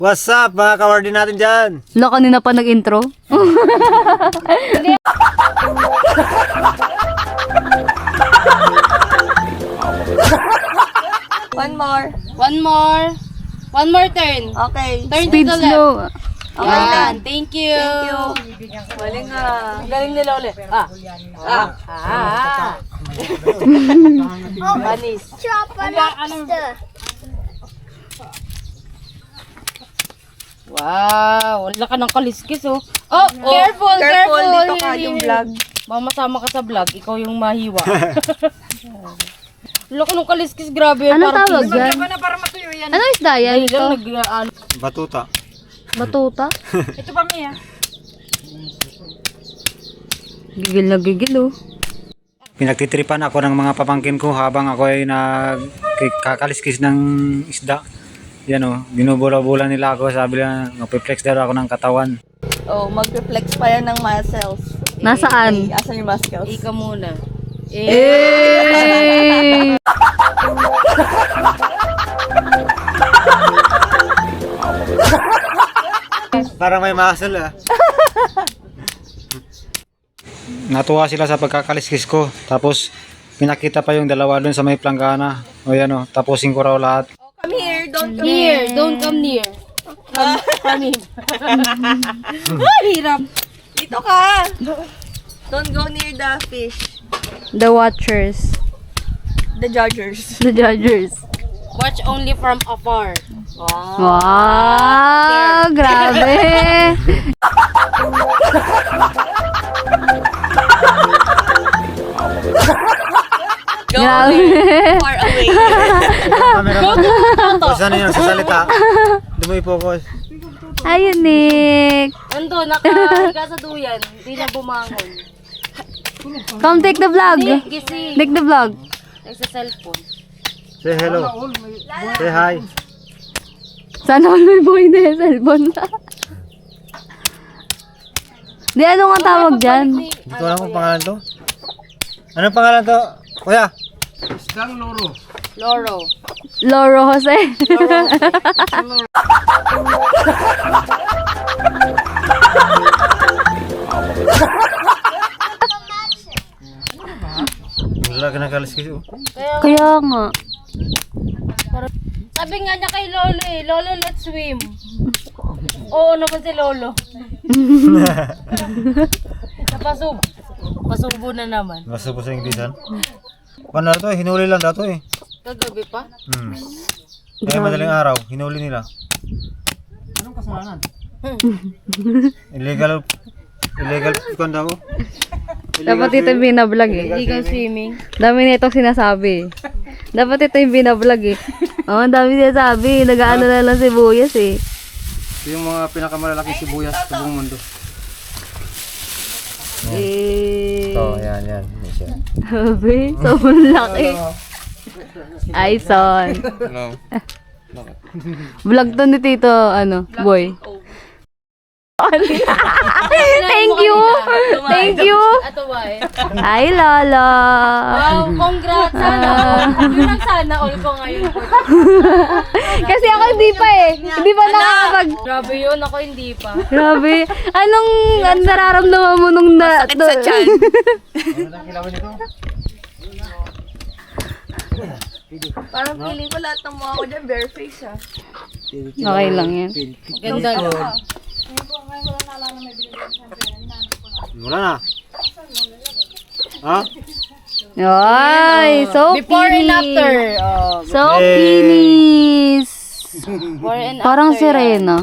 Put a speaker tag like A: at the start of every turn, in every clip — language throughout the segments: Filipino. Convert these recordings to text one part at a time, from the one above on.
A: What's up mga kawardi natin dyan?
B: Lo, kanina pa nag-intro.
C: One more.
D: One more turn.
C: Okay.
D: Turn
B: Speed
D: to the left.
B: slow.
D: Yan. Thank you.
C: Galing ah.
D: Galing nila ulit. Banis. Wow, wala ka ng kaliskis oh. Oh, careful,
C: Careful, dito ka
D: Hindi,
C: yung
D: hindi.
C: vlog.
D: Baka masama ka sa vlog, ikaw yung mahiwa. Wala ka ng kaliskis, grabe.
B: Ano
D: parang
B: tawag
D: piso.
B: yan? Ano isda yan?
D: Dahil lang
B: Ito?
D: ano.
A: Batuta.
B: Batuta?
D: Ito pa Mia.
B: Gigil na gigil oh.
A: Pinagtitripan ako ng mga pamangkin ko habang ako ay kakaliskis ng isda. Yan o, binubula-bula nila ako. Sabi nila, magpiplex daw ako ng katawan.
C: Oh, mag-reflex pa yan ng muscles.
B: Nasaan?
C: Asan yung muscles?
D: Ika muna.
B: Eh!
A: Para may muscle ah. Natuwa sila sa pagkakaliskis ko. Tapos pinakita pa yung dalawa dun sa may planggana. O yan o, tapusin ko raw lahat.
C: Come here, don't come
D: Near, don't come near. Come here. Ah, hirap.
C: Dito ka. Don't go near the fish.
B: The watchers.
C: The judgers.
B: The judgers.
D: Watch only from afar.
B: Wow! Grabe!
C: Go
B: Grabe!
C: far away.
A: O saan yun? Sa salita. Hindi mo i-focus.
B: Ayun, Nick!
D: Ando, nakahiga sa duyan. Hindi na bumangon.
B: Come take the vlog!
D: Gising.
B: Take the vlog!
D: Sa cellphone.
A: Say hello. Say hi.
B: Sana all may boy na yung cellphone. Di, ano nga tawag dyan?
A: Hindi ko alam kung pangalan to. Anong pangalan to? Kuya.
D: Loro.
B: Loro Jose.
A: Wala ka ng kaliskis oh.
B: Kaya nga.
D: Sabi nga niya kay Lolo eh, Lolo, let's swim. Oo naman si Lolo. Napasub. Pasubo na naman.
A: Nasa po sa Inglesan. Paano na to eh? Hinuli lang dato eh.
D: Kagabi pa?
A: Kaya madaling araw, hinuli nila. Anong kasalanan? Illegal kung daw.
B: Dapat ito yung binablog eh.
D: Illegal swimming.
B: Dami na itong sinasabi. Dapat ito yung binablog eh. Oo, ang dami sinasabi. Nag-ano na lang sibuyas eh.
A: Ito yung mga pinakamalalaking sibuyas sa buong mundo.
B: Eh.
A: Oh, yan. Yan siya.
B: Sabi, sobrang laki. Ay, son.
A: Hello.
B: Vlog to ni Tito, ano, boy. Thank you! Thank you!
D: Ato ba eh?
B: Ay, Lolo!
D: Wow, congrats sana all. Yun ang sana all ko ngayon.
B: Kasi ako hindi pa eh. Hindi pa nakakapag...
D: Grabe yun, ako hindi pa.
B: Grabe. Anong nararamdaman mo nung na...
C: Sakit sa tiyan. Parang feeling ko lahat ng mukha ko dyan bare face ah.
B: Okay lang yan.
D: Ganda no.
A: Wala na. Ha?
B: Ay, so
D: Before and
B: kinis.
D: after. Oh,
B: So kinis.
D: before and after.
B: Parang sirena.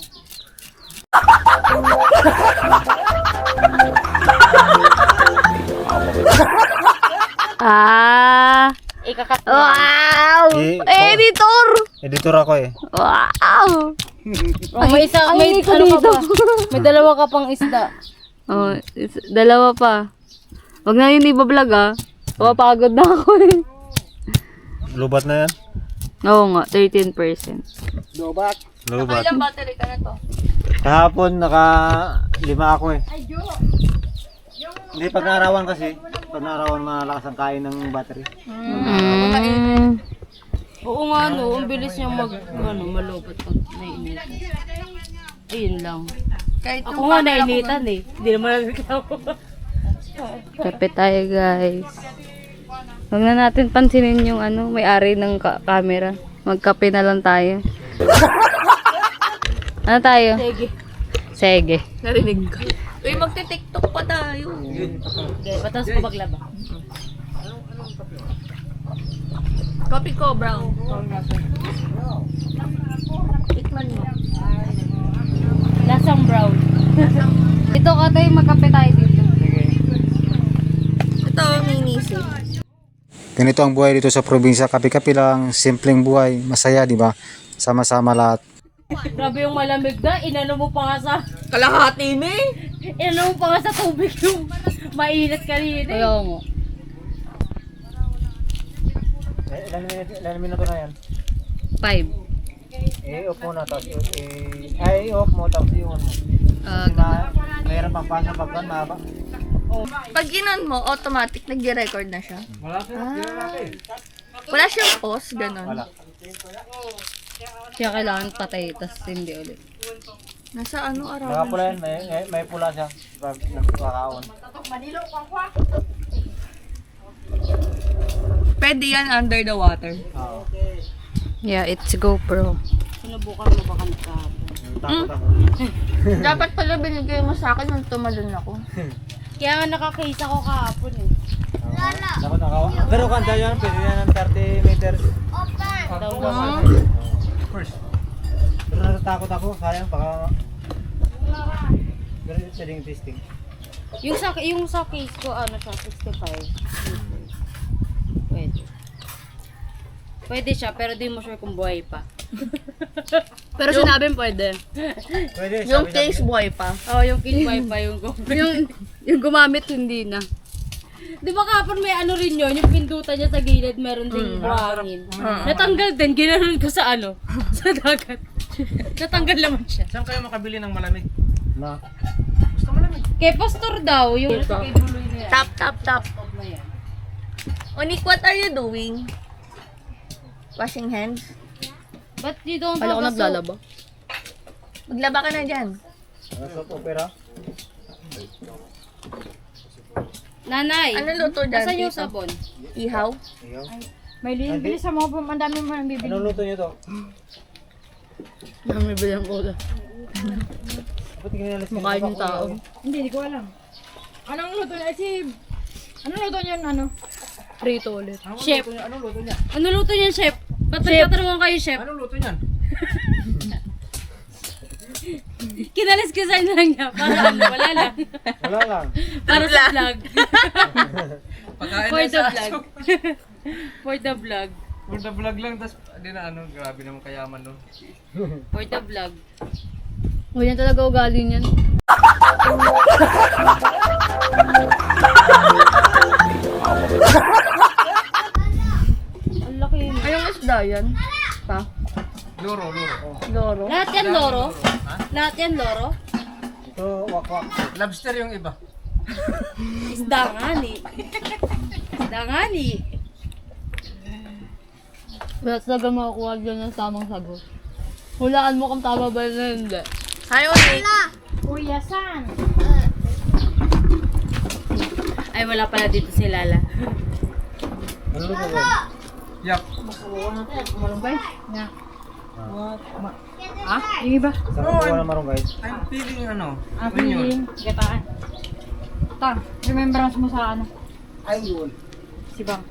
B: Ah!
D: Ikakat na.
B: Wow! Editor!
A: Editor ako eh.
B: Wow!
D: Oh, may isa, may
B: ay,
D: ano ka
B: dito.
D: pa? May dalawa ka pang isda.
B: Oh, dalawa pa. Wag na yun iba-vlog ah. Papagod na ako eh.
A: Lubat na yan.
B: Oo nga, 13%.
A: Lubat.
C: Ilang battery ka na to?
A: Kahapon naka 5 ako eh. Hindi pag naarawan kasi. Pag naarawan malakas ang kain ng battery.
D: Oo nga no, ang bilis niya malupot pag nainitan. Ayun lang.
C: Kahit
D: Ako nga nainitan eh. Hindi naman nagreklamo.
B: Kape tayo guys. Huwag na natin pansinin yung may-ari ng camera. Magkape na lang tayo. Ano tayo?
D: Sige.
B: Sige.
C: narinig ko. Uy, magte-tiktok pa tayo.
D: Okay, patas ko paglaba.
C: Coffee ko, brown. Tikman mo.
D: Lasang brown.
B: Dito ka tayo, magkape tayo dito.
C: Ito, minisip.
A: Ganito ang buhay dito sa probinsya. Kape-kape lang, simpleng buhay, masaya, di ba? Sama-sama lahat.
D: Grabe yung malamig na. Inano mo pa nga sa...
C: Kalahati na eh.
D: Inano mo pa nga sa tubig yung mainit kanina.
B: Kaya mo.
A: Ilan minuto na yan?
B: 5.
A: I-off mo na, tapos i-off mo, tapos i-on mo. Mayroon pang pasa pagkan, mahaba.
C: Pag ginon mo, automatic nag-record na siya. Wala siyang pause, ganun.
A: Wala.
B: Kaya kailangan patay, tas hindi ulit.
C: Nasa ano araw?
A: Nakapula yan, may pula siya. Nagkakaon.
C: Pwede yan under the water.
A: Oo.
B: Yeah, it's GoPro.
D: Sinubukan mo ba kanta?
A: Takot ako.
C: Dapat pala binigay mo sa akin nung tumalon ako.
D: Kaya nga nakakisa ko kahapon eh.
A: Dapat nakawa. Pero kanta yan, pwede yan ng 30 meters. First. Pero natatakot ako, sayang, baka... Pero yun pwedeng testing.
D: Yung sa case ko, siya, 65. Pwede. Pwede siya, pero di mo sure kung buhay pa. Pero sinabi pwede.
A: Pwede,
C: Yung
A: sabi-
C: case boy pa.
D: Oo, yung case buhay pa yung yung gumamit, hindi na. Di ba kapon may ano rin yun, yung pindutan niya sa gilid, meron ding buhangin. Natanggal din, ginanon ko sa sa dagat. Natanggal naman siya.
E: Saan kayo makabili ng malamig?
A: Na.
D: Kay Pastor daw, yung kay Buloy na yan.
C: Tap. Onik, what are you doing? Washing hands?
D: Ba't you don't
C: Wala ko
D: have a soap?
C: naglalaba. Maglaba ka na dyan.
A: Ano soap opera?
D: Nanay,
C: Ano luto dyan?
D: asan yung
C: tito?
D: sabon?
C: Ihaw?
A: Iyaw.
D: May bilis sa mga ang dami mo nang bibili.
A: Anong luto nyo to?
C: May bilang ulo.
A: Ba't ginalis
C: Mukha yung tao.
F: Hindi ko alam. Anong luto niya? Anong luto niya?
C: Prito ulit.
D: Chef.
E: Anong luto niya?
D: Ano luto niyan, chef? Ba't nagtatanungan kayo, chef?
E: Anong luto niyan?
D: Kinalis-kisan lang niya. Para wala lang.
A: Wala lang.
D: Para sa vlog.
E: Pagkain
D: For
E: na
D: the
E: sa
D: vlog. For the vlog.
E: For the vlog lang, tas di na grabe naman kayaman no.
D: For the vlog.
B: O yan talaga ugali niyan.
D: Ang laki yun.
C: Anong isda yan? Pa?
E: Loro.
C: Loro?
D: Lahat yan loro? Lahat yan loro?
A: Ito, wakwak.
E: Lobster yung iba.
D: Isda nga ni. Isda nga ni.
B: Wala talaga makakuha dyan ng tamang sagot. Hulaan mo kung tama ba na hindi.
C: Hi, Onik.
F: Kuya San.
D: Ay, wala pala dito si Lala.
A: Ano luto ba?
E: Yak.
F: Yung iba.
A: Saan kukuha ng marong guys?
E: I'm feeling onion.
F: Feeling. Gataan. Ito. Remembrance mo sa ano?
E: Ayun.
F: Si Bang.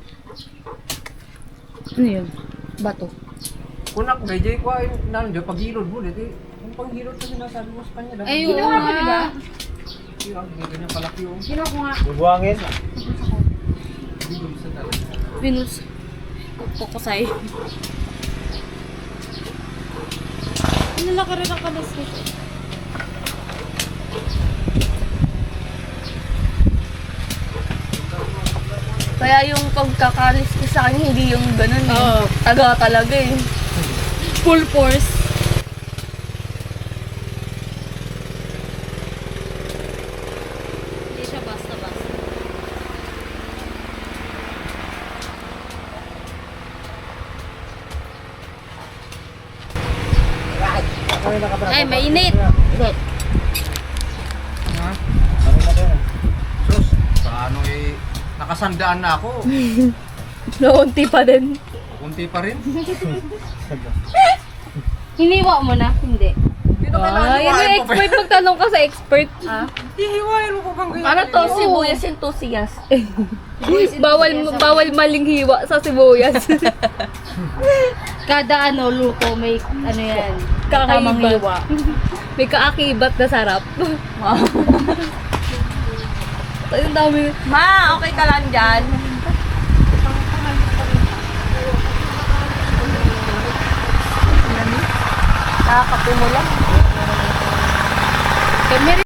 B: Ano yun?
C: Bato.
E: Kunak, gayjay ko ay nandiyo paghilod mo dito. Yung paghilod kasi nasabi mo sa kanya lang.
D: Ay, oo nga.
E: Yung ganyan palaki yung
F: Sino ko nga?
A: Bubuhangin.
E: bilog sa talaga.
D: Pinus. Pukusay. Ano laki rin ang kalas nito?
C: Kaya yung pagkakalis ko sa akin, hindi yung ganun eh.
D: Oo.
C: Taga talaga eh.
D: Full force. Hindi siya basta-basta. Ay, mainit.
E: Ha? Sus, paano nakasandaan na ako.
B: Naunti pa din.
E: Kunti pa rin.
D: Hiniwa mo na? Hindi.
E: Hindi na kailangan
B: Ah, yan
E: hiwain
B: yung
E: mo pa.
B: expert. Magtanong ka sa expert.
E: Hihiwain mo pa bang ganyan?
C: Ano to? Sibuyas enthusiast.
B: Bawal maling hiwa sa sibuyas.
D: Kada ano, luto, may ano yan. Tamang
B: Kakaiba.
D: hiwa.
B: May kaakibat na sarap. Ang dami.
C: Ma, okay ka lang dyan? Nakakape mo lang.
D: Kami